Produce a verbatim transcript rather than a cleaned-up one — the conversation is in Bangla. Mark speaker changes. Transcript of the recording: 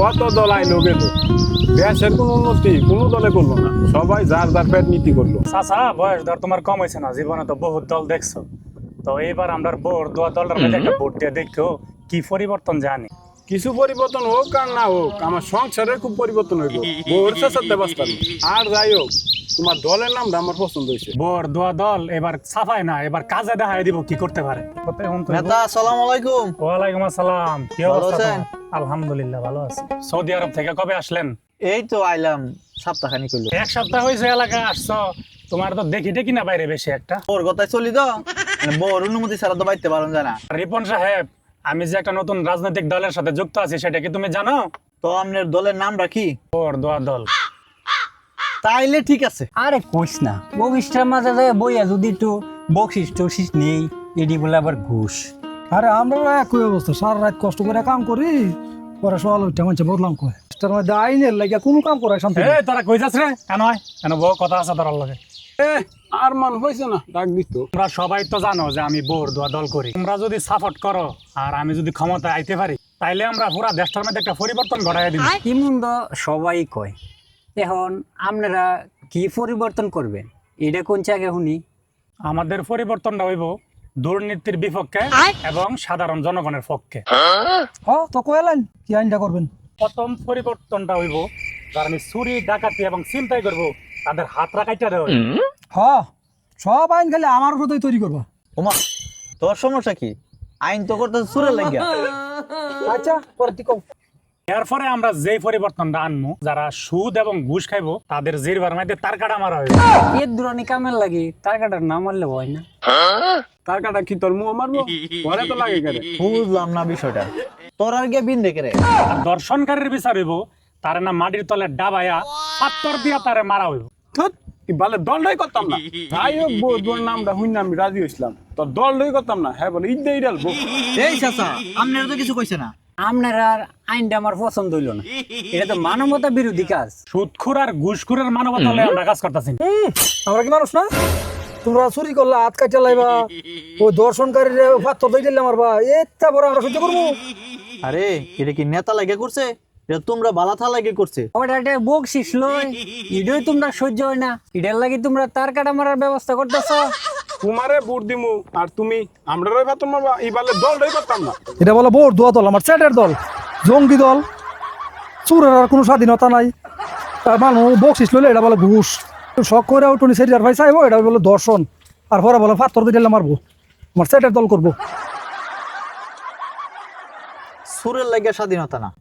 Speaker 1: কত দল আইলো গেল, দেশের কোনো উন্নতি কোনো দলে করলো না, সবাই যার যার পেট নীতি করলো।
Speaker 2: চাচা বয়স ধর তোমার কম হয়েছে না, জীবনে তো বহুত দল দেখছো। তো এইবার আমরা বোর দোয়া দলের মধ্যে একটা ভোট দিয়ে দেখো কি পরিবর্তন জানি।
Speaker 1: কিছু পরিবর্তন হোক আর না হোক, আমার সংসারের খুব পরিবর্তন হইব। বোর চেষ্টাতে বাঁচতাম আর যাই হোক, তোমার দলের নামটা আমার পছন্দ হয়েছে।
Speaker 2: বোর দোয়া দল এবার ছাপায় না, এবার কাজে দেখায় দিব কি করতে পারে।
Speaker 3: নেতা আসসালামু আলাইকুম।
Speaker 2: ওয়ালাইকুম আসসালাম, কি
Speaker 3: ভালো
Speaker 2: অবস্থা
Speaker 3: আছেন?
Speaker 2: তোমার? আলহামদুলিল্লাহ ভালো আছি। সৌদি আরব থেকে কবে আসলেন?
Speaker 3: এই তো আইলাম সপ্তাহখানি কইলো।
Speaker 2: এক সপ্তাহ হয়েছে এলাকায় আসছো, তোমার তো দেখি দেখি না বাইরে বেশি একটা।
Speaker 3: ওর কথাই চলি তো, মানে বউর অনুমতি ছাড়া তো বাইতে পারেন জানা।
Speaker 2: রিপন সাহেব, আমি যে একটা নতুন রাজনৈতিক দলের সাথে যুক্ত আছি সেটা কি তুমি জানো?
Speaker 3: তো আপনার দলের নাম রাখি?
Speaker 2: বোর দোয়া দল।
Speaker 3: তাইলে ঠিক আছে।
Speaker 4: আরে কইস না, বগিষ্টার মাঝে যায় বইয়া যদি একটু বকশিস টকশিস নেই, এটি বলে আবার ঘুষ।
Speaker 5: আরে আমরা একই অবস্থা, সারা রাত কষ্ট করে কাম করি, পরে সকাল উঠে মানুষ বদলাম কয় তার মধ্যে আইনের লাগে কোনো কাম করে শান্তি
Speaker 2: এ তোরা কই যাস রে? কেন হয় কেন বউ কথা আছে তোর লগে?
Speaker 1: এ আর মান হয়েছে না, ডাক দিত।
Speaker 2: তোমরা সবাই তো জানো যে আমি বোর দোয়া দল করি। তোমরা যদি সাপোর্ট করো আর আমি যদি ক্ষমতায় আইতে পারি, তাইলে আমরা পুরা দেশটার মধ্যে একটা পরিবর্তন ঘটাই দিব।
Speaker 4: ইমন তো সবাই কয়, এখন আপনারা কি পরিবর্তন করবেন এটা কোন জায়গা শুনি?
Speaker 2: আমাদের পরিবর্তনটা হইব দুর্নীতির বিপক্ষে এবং সাধারণ জনগণের পক্ষে।
Speaker 5: হ তো কয়েলেন কি আইনটা করবেন?
Speaker 2: প্রথম পরিবর্তনটা হইব যারা আমি চুরি ডাকাতি এবং চিন্তাই করব তাদের হাত রাখাইটা দেওয়া।
Speaker 5: হ সব আইন খালি আমার উপরেই তৈরি করবা।
Speaker 3: ওমা, তোর সমস্যা কি? আইন তো করতে সুরে লাগিয়া।
Speaker 5: আচ্ছা পরে তুই কও।
Speaker 2: এরপরে আমরা যে পরিবর্তনটা আনবো, যারা সুদ এবং ঘুষ খাইবো তাদের জিরবার মধ্যে তার কাটা মারা হইবে।
Speaker 4: এর দূরানি কামের লাগে তার কাটার নাম মারলে হয় না?
Speaker 1: তার কাটা কি তোর মুখ মারবো? পরে তো লাগে কেন?
Speaker 3: বুঝলাম না বিষয়টা। তোর আর গিয়ে বিন দেখে রে।
Speaker 2: আর দর্শনকারীর বিচার হইব তারে না মাটির তলে ডাবাইয়া পাত্তর দিয়া তারে মারা হইব।
Speaker 1: ধুৎ, কি বলে দলটাই করতাম না। যাই হোক বউ, তোর নামটা শুনে আমি রাজি হইছিলাম, তোর দলটাই করতাম না। হ্যাঁ বলে ঈদ ইডাল বউ।
Speaker 3: এই চাচা, আপনার তো কিছু কইছে না।
Speaker 4: আপনার আর আইনটা আমার পছন্দ হইল না, এটা তো মানবতা বিরোধী কাজ।
Speaker 2: সুদখোর আর ঘুষখোরের মানবতা লয়ে আমরা কাজ করতেছি।
Speaker 5: হুম, আমরা কি মানুষ না? তোমরা চুরি করলা, হাত কাটা লাইবা, ওই দর্শনকারীর পাত্র দিয়ে দিলে মারবা, এটা বড় আমরা সহ্য করবো?
Speaker 3: আরে এটা কি নেতা লাগে করছে? এটা তোমরা বালাথা লাগে করছে।
Speaker 4: ওটা একটা বকশিস লয়, এটাই তোমরা সহ্য হয় না, এটার লাগে তোমরা তার কাটা মারার ব্যবস্থা করতেছ।
Speaker 1: তোমারে বুট দিমু আর তুমি আমরা রই ভাত মারবা, এই বলে দলটাই করতাম না।
Speaker 5: এটা বলে বোর দোয়া দল, আমার চ্যাটের দল, জঙ্গি দল, চুরের আর কোনো স্বাধীনতা নাই। তার মানুষ বকশিস লইলে এটা বলে ঘুষ। শখ করে টুনি সেরিয়ার ভাই চাইবো, এটা বলে দর্শন, আর পরে বলে পাত্র দিয়ে দিলে মারবো। আমার চ্যাটের দল করবো।
Speaker 3: সুরের লাগে স্বাধীনতা না,